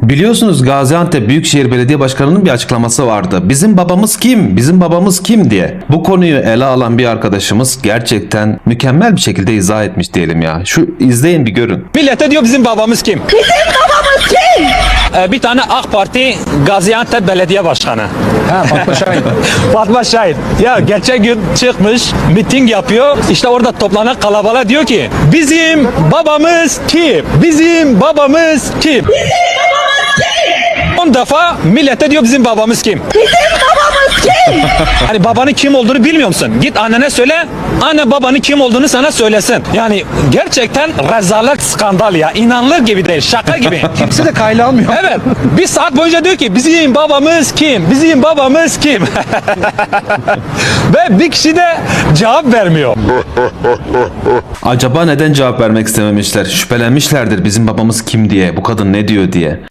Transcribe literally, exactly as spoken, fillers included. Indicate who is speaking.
Speaker 1: Biliyorsunuz Gaziantep Büyükşehir Belediye Başkanı'nın bir açıklaması vardı. Bizim babamız kim? Bizim babamız kim diye. Bu konuyu ele alan bir arkadaşımız gerçekten mükemmel bir şekilde izah etmiş diyelim ya. Şu izleyin bir görün.
Speaker 2: Millete diyor bizim babamız kim?
Speaker 3: Bizim babamız kim?
Speaker 2: Ee, bir tane AK Parti Gaziantep Belediye Başkanı.
Speaker 4: Ha, Fatma Şahin.
Speaker 2: Fatma Şahin. Ya geçen gün çıkmış, miting yapıyor. İşte orada toplanan kalabalığa diyor ki bizim babamız kim? Bizim babamız kim? on defa millete diyor bizim babamız kim?
Speaker 3: Bizim babamız kim?
Speaker 2: Hani babanın kim olduğunu bilmiyor musun? Git annene söyle, anne babanın kim olduğunu sana söylesin. Yani gerçekten rezalet, skandal ya. İnanılır gibi değil, şaka gibi.
Speaker 4: Kimse de kayla almıyor.
Speaker 2: Evet, bir saat boyunca diyor ki bizim babamız kim? Bizim babamız kim? Ve bir kişi de cevap vermiyor.
Speaker 1: Acaba neden cevap vermek istememişler? Şüphelenmişlerdir bizim babamız kim diye, bu kadın ne diyor diye.